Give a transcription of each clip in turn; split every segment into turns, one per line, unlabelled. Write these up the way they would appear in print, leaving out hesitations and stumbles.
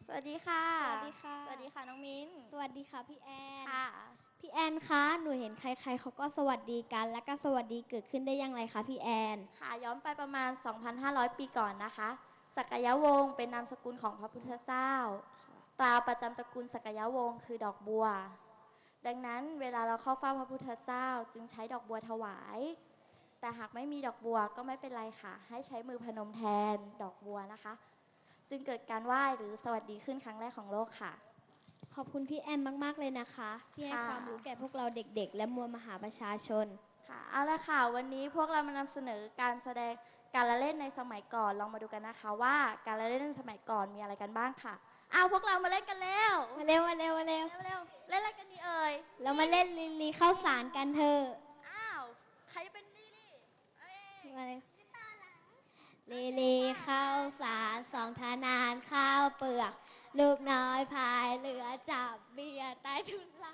สวัสดีค่ะ
สวัสดีค่ะ
สวัสดีค่ะน้องมิ้น
สวัสดีค่ะพี่แอน
ค่ะ
พี่แอนคะหนูเห็นใครๆเขาก็สวัสดีกัน แล้วก็สวัสดีเกิดขึ้นได้อย่างไรคะพี่แอน
ค่ะย้อนไปประมาณ 2,500 ปีก่อนนะคะสักยวงศ์เป็นนามสกุลของพระพุทธเจ้าตราประจำตระกูลสักยวงศ์คือดอกบัวดังนั้นเวลาเราเข้าเฝ้าพระพุทธเจ้าจึงใช้ดอกบัวถวายแต่หากไม่มีดอกบัวก็ไม่เป็นไรค่ะให้ใช้มือพนมแทนดอกบัวนะคะจึงเกิดการไหว้หรือสวัสดีขึ้นครั้งแรกของโลกค่ะ
ขอบคุณพี่แอนมากๆเลยนะคะ ที่ให้ความรู้แก่พวกเราเด็กๆ และมวลมหาประชาชน
ค่ะเอาละค่ะวันนี้พวกเรามานำเสนอการแสดงการละเล่นในสมัยก่อนลองมาดูกันนะคะว่าการละเล่นในสมัยก่อนมีอะไรกันบ้างค่ะเอาพวกเรามาเล่นกันแล้ว
มาเร็วมาเร็วมาเร็ว
เร็วเล่นอะไรกันดีเอ่ย
เรามาเล่นลิลลี่ข้าวสารกันเถอะ
อ้าวใครจะเป็นลี่
มาเร็วลิลลี่ข้าวสารสองทนานข้าวเปลือก ลูกน้อยพายเรือจับเบียร์ใต้ทุนลัง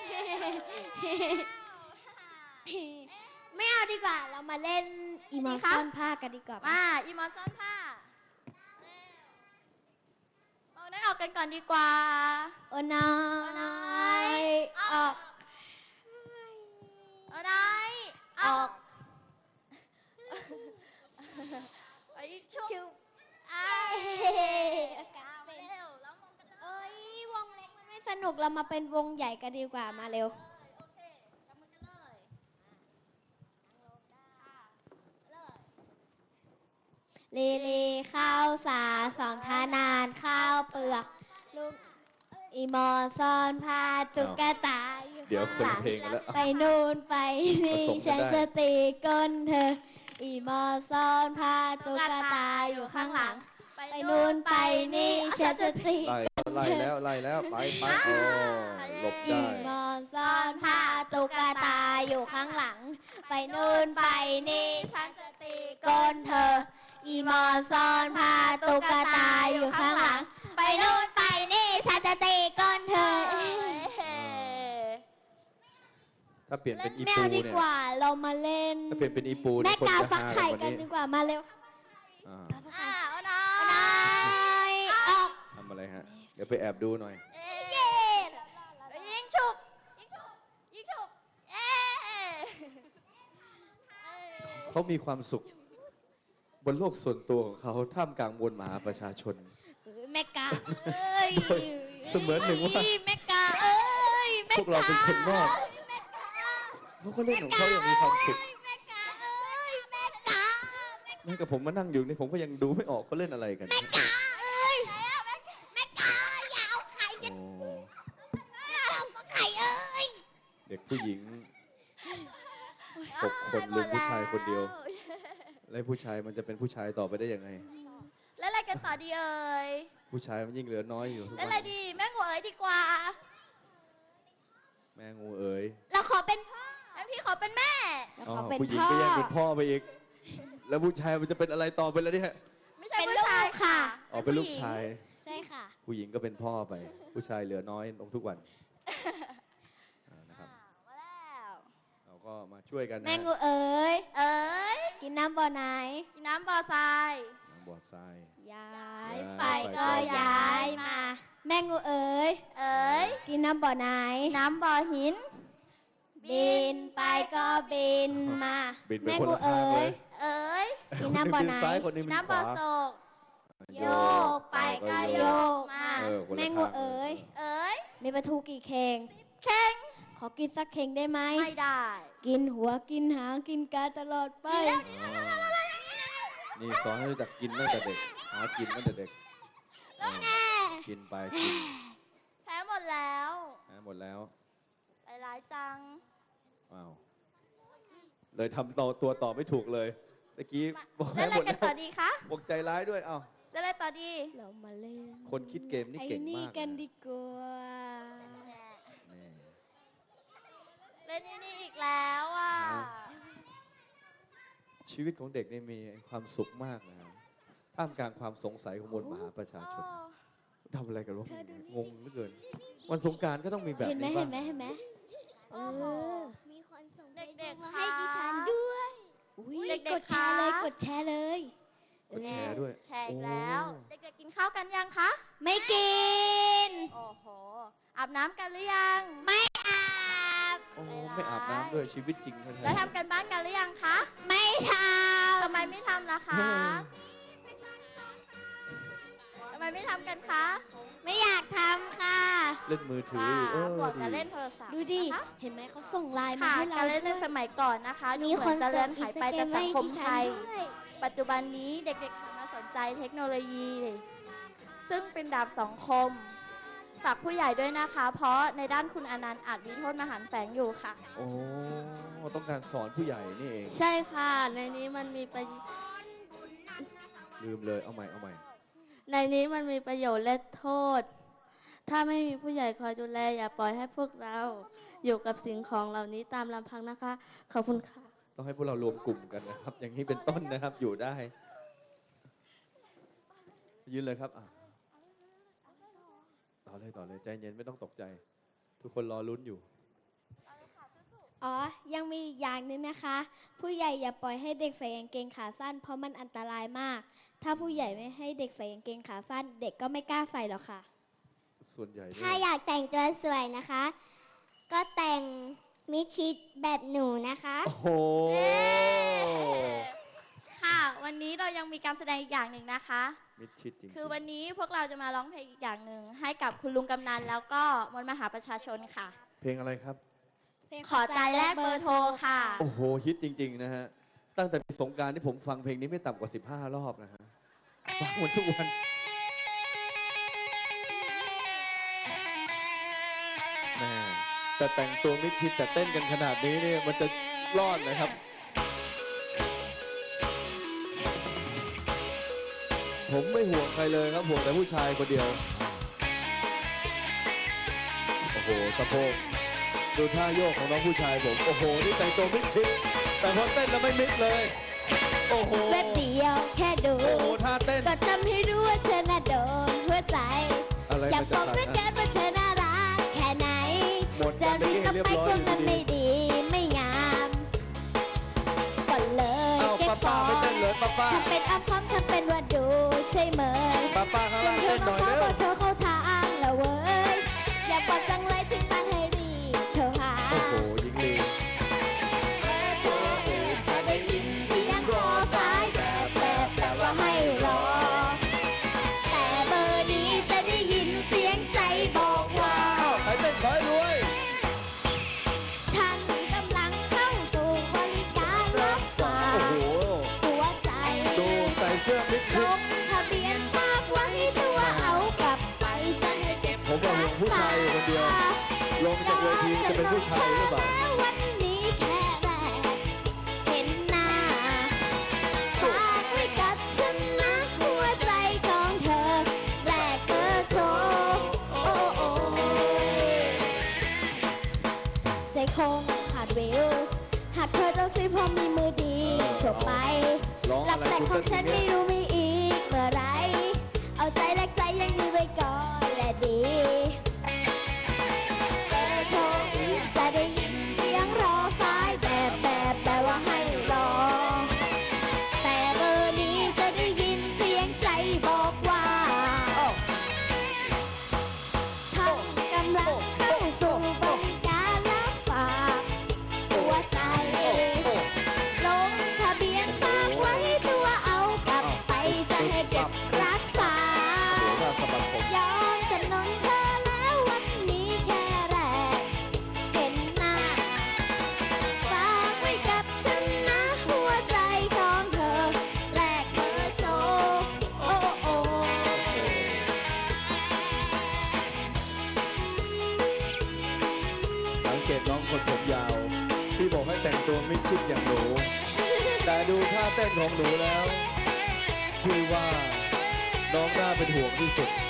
ไม่เอาดีกว่า เรามาเล่นอีมอนซ่อนผ้ากันดีกว่า
มาอีมอนซ่อนผ้าเอาได้ออกกันก่อนดีกว่า
โอ้น้อยออก
เอาได้
ออก
ไปชุบ
อากาศเป็น
เร็วแล้วมองกันเลย
เอ้ยวงเล็กมันไม่สนุกเรามาเป็นวงใหญ่กันดีกว่ามาเร็ว
โอเคจับมือกันเลย
ลีลีข้าวสาสองทานานข้าวเปลือกลูกอีมอซ่อนผ้าตุ๊กตาอยู่
เดี๋ยวคน
ข้างหลัง
เพลงกันแล้ว
ไปนู่นไปนี่
ผสมกัน
ฉัน
ได้
จะตีก้นเธออีมอซ่อนผ้าตุ๊กตาอยู่ข้างหลังไปนู่นไปนี่ฉันจะตี
ไล่แล้วไปโอ้หลบ
อี
ได้
มอซ่อนผ้าตุ๊กตาอยู่ข้างหลัง ไปนู่นไปนี่ฉันจะตีก้นเธออีมอซ่อนผ้าตุ๊กตาอยู่ข้างหลัง ไปนู่นไปนี่ฉันจะตีก้นเธอ
ถ้าเปลี่ยนเป็นอี
แม
ปู
วดี
เนี่ย
กว่าเรามาเล่น
ถ้าเปลี่ยนเป็นอีปู
แม่
คน
กา
จะ
ฟัก
ฮา
ไข่
กว่า
กัน
นี้
ดีกว่ามาเร็ว
อ่า
เอาน้อ
น้อย ยออก
ทำอะไรฮะเดี๋ยวไปแอบดูหน่อย
เย้
ยิงฉุบยิงฉุบยิงฉุบเอ๊
เขามีความสุข บนโลกส่วนตัวของเขาท่ามกลางมวลมหาประชาชน
แม่กาเอ้ย
เสมือนหนึ่งว่า
แม่กาเอ้ยแม่
พวกเราเป็นคนนอกเขาก็เล่นของเขาอย่างมีความสุข
แม่กาเอ้ยแม่กา
แม้กับผมมานั่งอยู่นี่ผมก็ยังดูไม่ออกเขาเล่นอะไรกัน
เอ้ยแม่กาอย่าเอาไข่จะ
โอ้
เอาไข่เอ้ย
เด็กผู้หญิง 6 คนลุมผู้ชายคนเดียว แล้วผู้ชายมันจะเป็นผู้ชายต่อไปได้ยังไง
แล้วอะไรกันต่อดีเอ่ย
ผู้ชายมันยิ่งเหลือน้อยอยู่ทุก
แล้ว
วั
อะไร
น
ดีแม่งูเอ๋ยดีกว่า
แม่งูเอ๋ย
เราขอเป็นพ่อ
งั้นพี่ขอเป็นแม่
เรา
อ๋อ
ขอเป็น
ผู้หญิง
พ่อ
ก็แย่งเป็นพ่อไปอีก แล้วผู้ชายมันจะเป็นอะไรต่อไปแล้วเนี่ย
ไม่ใช่
เป็น
ผู้
ลูก
ชายค่ะ
อ๋อเป็นลูกชาย
ใช่ค่ะ
ผู้หญิงก็เป็นพ่อไป ผู้ชายเหลือน้อยลงทุกวันนะครับ
มาแล้ว
เราก็มาช่วยกันนะ
แม่งูเอ๋ย
เอ๋ย
กินน้ำบ่อไหน
กินน้ำบ่อทราย
น้ำบ่อทราย
ย้าย
ย้าย
ไป
ไป
ก็
ก็
ย้ายมา แม่งูเอ๋ย
เอ๋ย
กินน้ำบ่อไหน
น้ำบ่อหิน
บินไปก็บินมา
บินไป
แม่
คน
งู
ละทาง
เอ๋
เลย ย
เอ๋ย
กินน้ำบ่อไหน
คซ้ายคนหนึง
น้ำบ่อ
ข
โศ
วาก
โยกไปก็โยกมา
เออคนละ
แม่งู
ทาง
เอ๋ย
เอ๋ย
มีปลาทูกี่เข่ง
เข่ง
ขอกินสักเข่งได้ไหม
ไม่ได้
กินหัวกินหางกินกาตลอดไป
อ๋อนี่สอนให้รู้จักกินตั้งแต่เด็ก หากินตั้งแต่เด็กเออกินไปกิน
แพ้หมดแล้ว
หมดแล้ว
ร้ายจัง
ว้าวเลยทำตัวต่อไม่ถูกเลยตะกี้บอก
แล้ว
ให้
อะไร
หมด
กัน
แล้ว
ต่อดีคะ
บอกใจร้ายด้วย เอ้า
แล้วอะไรต่อดี
เรามาเล่น
คนคิดเกมนี่
ไอ้
เก่ง
นี่
มาก
กัน
นะ
ดีกว่า
นี่
เล่นนี่อีกแล้วอ่ะ
ชีวิตของเด็กนี่มีความสุขมากนะครับท่ามกลางความสงสัยของมวลมหาประชาชนทำอะไรกันวะงงเหลือเกิน วันสงกรานต์ก็ต้องมีแบบ
เห็นไหม
นี้
เห็
บ้าง
นไหมเห็นไหมเออ
มีคนส่ง
เด็กๆ
มา
ค่ะ
ให้ดิฉันด้วย
อุ้ย
เด็กๆ
กดแชร์เลย
คะ
กดแชร์เลย
กดแชร์ด้วย
แชร์อีกแล้ว
โอ้
เด็กๆกินข้าวกันยังคะ
ไม่กิน
โอ้โห อาบน้ำกันหรือยัง
ไม่อาบ
โอ้ไม่อาบน้ำด้วยชีวิตจริงแท้
แล้วทำกันบ้านกันหรือยังคะ
ไม่ท
ทำไมไม่ทำล่ะคะ ทำไมไม่ทำกันคะ
ำไม่อยากทำค่ะ
เล่นมือถือ
ค่ะ
อยู่
บวกกับเล่นโทรศัพท์
ดูดิ
นะคะ
เห็นไหมเขาส่งไลน์มา
ค่ะ
ให้เรา
การเล่นใน
ด้วย
สมัยก่อนนะคะดู
มี
เห
ค
มือน นจะ
ส่
เลื
ง
อนหายไปจากสังคมไทย
อินสตาแกรมให้ดิฉันด้วย
ปัจจุบันนี้เด็กๆหันมาสนใจเทคโนโลยี ซึ่งเป็นดาบสองคม ฝากผู้ใหญ่ด้วยนะคะ เพราะในด้านคุณอนันต์อาจมีโทษมหันต์แฝงอยู่ค่ะ
โอ้ต้องการสอนผู้ใหญ่นี่เอง
ใช่ค่ะ ในนี้มันมีประ
ลืมเลยเอาใหม่เอาใหม่
ในนี้มันมีประโยชน์และโทษ ถ้าไม่มีผู้ใหญ่คอยดูแลอย่าปล่อยให้พวกเราอยู่กับสิ่งของเหล่านี้ตามลำพังนะคะ ขอบคุณค่ะ
ต้องให้พวกเรารวมกลุ่มกันนะครับ อย่างนี้เป็นต้นนะครับอยู่ได้ ยืนเลยครับต่อเลยใจเย็นไม่ต้องตกใจ ทุกคนรอลุ้นอยู่
อ๋อ ยังมีอีกอย่างหนึงนะคะ ผู้ใหญ่อย่าปล่อยให้เด็กใส่กางเกงขาสั้น เพราะมันอันตรายมาก ถ้าผู้ใหญ่ไม่ให้เด็กใส่กางเกงขาสั้น เด็กก็ไม่กล้าใส่หรอกค่ะ
ส่วนใหญ่เนี่ย
ถ้าอยากแต่งตัวสวยนะคะ ก็แต่งมิดชิดแบบหนูนะคะ
โอ้โห
ค่ะ วันนี้เรายังมีการแสดงอีกอย่างหนึ่งนะคะ
มิดชิดจริงๆ
คือวันนี้พวกเราจะมาร้องเพลงอีกอย่างหนึ่งให้กับคุณลุงกำนันแล้วก็มวลมหาประชาชนค่ะ
เพลงอะไรครับ
ขอใจแลกเบอร์โทรค่ะ
โอ้โหฮิตจริงๆนะฮะตั้งแต่สงกรารที่ผมฟังเพลงนี้ไม่ต่ำกว่า 15 รอบนะฮะฟังหมดทุกวันแม่แต่แต่งตัวมิดชิดแต่เต้นกันขนาดนี้เนี่ยมันจะรอดนะครับ ผมไม่ห่วงใครเลยครับห่วงแต่ผู้ชายคนเดียว โอ้โหสะโพกดูท่าโยกของน้องผู้ชายผม โอ้โห นี่แต่งตัวมิดชิด แต่พอเต้นแล้วไม่มิดเลย โอ้โห
แวบเดียวแค่ดู
โอ้โห ท่าเต้น
ก็ทำให้รู้ว่าเธอน่าโดนหัวใจ
อะไร
อยา
มั
ก
น
บ
จะ
อก
ขาด
ด้วย
นะ
กันว่าเธอน่ารักแค่ไหน
หมด
จะ
กัน
รี
เมื่อบ กี้
กลับ
เรียบ
ไป
ร้อย
ก็
อยู่
มัน
ดี
ไม่ดีไม่งามก่อนเลย
ๆเอ้า
เก็บ
ป้า
ข
ป้า
อง
ไม่เต้นเลยป้าป้า
ทำเป็นอ้ำพร้อมทำเป็นว่าดูใช่ไหม
ป้าป้าข้าง
จ
ล่าน ง
เธ
เต้
อน
ห
มา
น่อย
ขอ
เร็ว
บอกเธอเข้าทางแล้วเว้ยอยากบอกจังเลยถึงมันให้รีบเธอหา
โอ้โหหญิงลี
จะได้ยินเสียงรอสายแบบว่าให้รอ แต่เบอร์นี้จะได้ยินเสียงใจบอกว่า
ใครเต้นขอให้รวย
ท่านกำลังเข้าสู่บริการรับฝา
โอ้
ก
โห
หัวใจ
ดูใส่เสื้อมิด
ล
ชิด
งทะเบียนฝากไว้ตัวเอากลับไปจะให้เก็บ
ผมว่าผมผู้ชายอยู่คนเดียว ลงจากเวทีจะเป็นผู้ชายหรือเปล่า
วันนี้แค่แรกเห็นหน้าฝากไว้กับฉันนะหัวใจของเธอแลกเบอร์โทรโอ้โอ้ใจคงขาดวิวหากเธอต้องซื้อเพราะมีมือดีฉกไป
ร้อง
หลั
อะ
บ
ไร
แต่
คุณ
ของ
เต้น
ฉัน
อย่าง
ไม่
เงี้ย
รู้มีอีกเมื่อไร เอาใจแลกใจยังมีไว้ก่อนและดีเบอร์โทรจะได้ยินเสียงรอสายแบบว่าให้รอ แต่เบอร์นี้จะได้ยินเสียงใจบอกว่าท่านกำลังเข้าสู่บริการรับฝากหัวใจ ลงทะเบียนฝากไว้ตัวเอากลับไปจะให้เก็บรักษา
โอ้โหท่าสะบัดผม
ยอมจำนนเธอแล้ววันนี้แค่แรกเห็นหน้า ฝากไว้กับฉันนะหัวใจของเธอแลกเบอร์โชว์โอ้โอ้
สังเกตน้องคนผมยาว ที่บอกให้แต่งตัวมิดชิดอย่างหนู แต่ดูท่าเต้นของหนูแล้วพี่ว่าน้องน่าเป็นห่วงที่สุด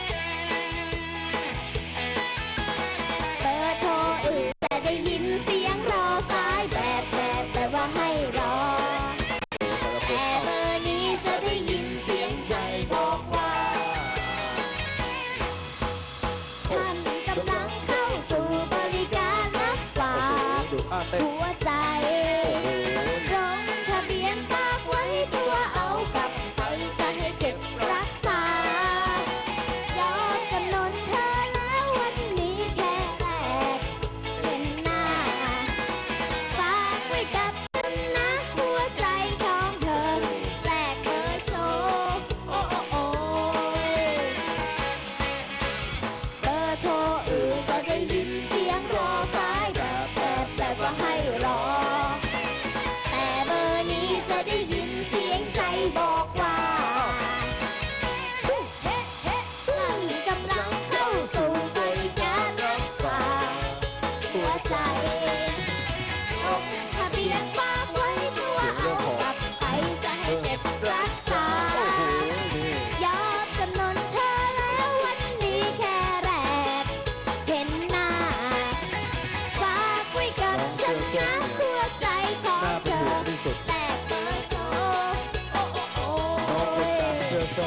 เบอร์โทรอื่นจะได้ยินเสียงรอสายแบบว่าให้รอ แต่เบอร์นี้จะได้ยินเสียงใจบอกว่า ท่านกำลังเข้าสู่บริการรับฝาก
ดูท่าเต้น
หัวใจ
โอ้โห
ลงทะเบียนฝากไว้ตัวเอากลับไปจะให้เก็บรักษา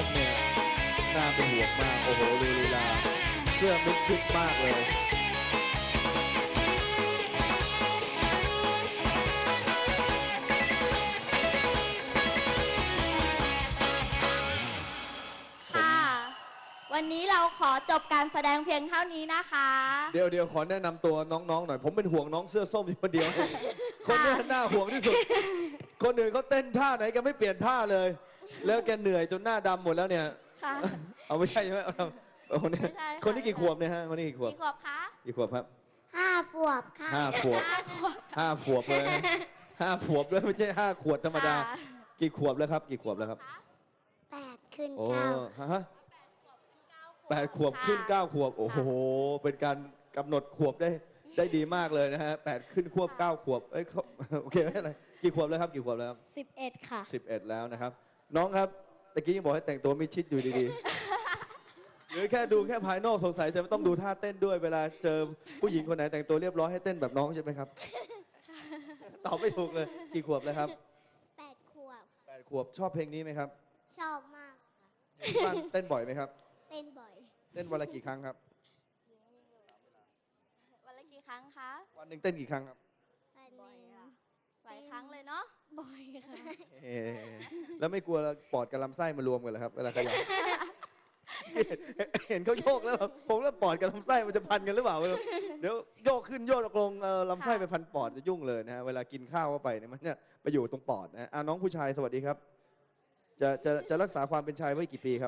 มเนี่ยน่าเป็นห่วงมากโอ้โหดูลีลาเสื้อมิดชิดมากเลย
ค่ะ วันนี้เราขอจบการแสดงเพียงเท่านี้นะคะ
เดี๋ยวขอแนะนำตัวน้องๆหน่อยผมเป็นห่วงน้องเสื้อส้มอยู่คนเดียว คนเนี้น่าห่วงที่สุด คนอื่นเขาเต้นท่าไหนแกไม่เปลี่ยนท่าเลย แล้วแกเหนื่อยจนหน้าดำหมดแล้วเนี่ย
ค่ะ
เอาไม่ใช่ใช่ไหมเอาคนนี้
ไม่ใช่ค่ะ
คนนี้กี่ขวบเนี่ยฮะคนนี้กี่ขวบ
กี่ขวบคะ
กี่ขวบครับ
5 ขวบค่ะ
5 ขวบ 5 ขวบเลยนะ5 ขวบด้วยไม่ใช่5 ขวดธรรมดา
ค่ะ
กี่ขวบแล้วครับกี่ขวบแล้วครับ
8 ขึ้น
โอ้
9
ฮะ8 ขวบขึ้น 9 ขวบโอ้โหเป็นการกำหนดขวบได้ดีมากเลยนะฮะ8 ขึ้นควบ 9 ขวบเอ้ยเขาโอเคไม่เป็นไรกี่ขวบแล้วครับกี่ขวบแล้วครับ
11 ค่ะ
11 แล้วนะครับ น้องครับตะกี้ยังบอกให้แต่งตัวมิดชิดอยู่ดีๆ หรือแค่ดูแค่ภายนอกสงสัยจะต้องดูท่าเต้นด้วยเวลาเจอผู้หญิงคนไหนแต่งตัวเรียบร้อยให้เต้นแบบน้องใช่ไหมครับ ตอบไม่ถูกเลยกี่ขวบแล้วครับ
8 ขวบ
8 ขวบชอบเพลงนี้ไหมครับ
ชอบมากค่ะ
บ้านเต้นบ่อยไหมครับ
เต้นบ่อย
เต้นวันละกี่ครั้งครับ
วันละกี่ครั้งคะ
วันหนึ่งเต้นกี่ครั้งครับ
วันหนึ่ง
หลายครั้งเลยเนาะ
บ่อยค่ะ
เอ๊ะแล้วไม่กลัวปอดกับลำไส้มารวมกันเหรอครับเวลาขยับ เห็นเขาโยกแล้วแบบผมแล้วปอดกับลำไส้มันจะพันกันหรือเปล่าไม่รู้เดี๋ยวโยกขึ้นโยกลงลำไส้ไปพันปอดจะยุ่งเลยนะฮะเวลากินข้าวเข้าไปเนี่ยมันเนี่ยไปอยู่ตรงปอดนะน้องผู้ชายสวัสดีครับ จะรักษาความเป็นชายไว้กี่ปีครับ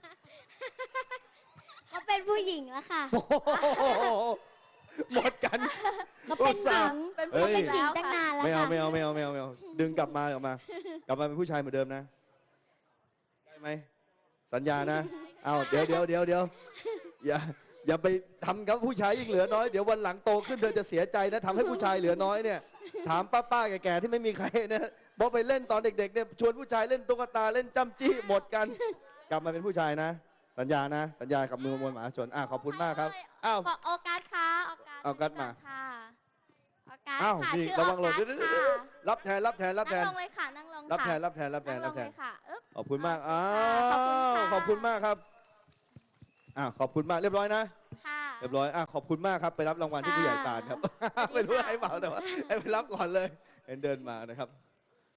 ก็เป็นผู้หญิงแล้วค่ะ
โอ้โหหมดกัน
ก็เป็นหญิง
เป็น
เอ้
ผู้
ย
หญิง
หญิง
แล้ว
ตั้ง
ค่ะ
นานแล้ว
ไม่เอา
ค่ะ
ไม่เอาไม่เอาไม่เอาไม่เอาดึงกลับมากลับมาเป็นผู้ชายเหมือนเดิมนะได้ไหมสัญญานะเอาเดี๋ยวอย่าไปทำกับผู้ชายยิ่งเหลือน้อยเดี๋ยววันหลังโตขึ้นเธอจะเสียใจนะทำให้ผู้ชายเหลือน้อยเนี่ยถามป้าๆแก่ๆที่ไม่มีใครนะบอกไปเล่นตอนเด็กๆเนี่ยชวนผู้ชายเล่นตุ๊กตาเล่นจ้ำจี้หมดกัน กลับมาเป็นผู้ชายนะ สัญญานะ สัญญากับมือมวลมหาชนขอบคุณมากครับอ้าว
ขอโอกาสค่ะโอกาส
เอาการ์ดมา
ค่ะโอกาส
อ้าว
ค่ะ
นี่
ชื่อ
ระ
โอ
วังหล่น
กาส
เดี๋ยว
ค่ะ
รับแทน
นั่งลงเลยค่ะนั่งลงค่ะ
รับแทน
นั่งลงเลยค่ะอึ๊บ
ขอบคุณมาก
ขอบคุณค่ะ
ขอบคุณมากครับขอบคุณมากเรียบร้อยนะ
ค่ะ
เรียบร้อยขอบคุณมากครับไปรับรางวัลที่ผู้ใหญ่ตาลครับ ไม่รู้ให้เปล่าแต่ว่าให้ไปรับก่อนเลยเดินมานะครับ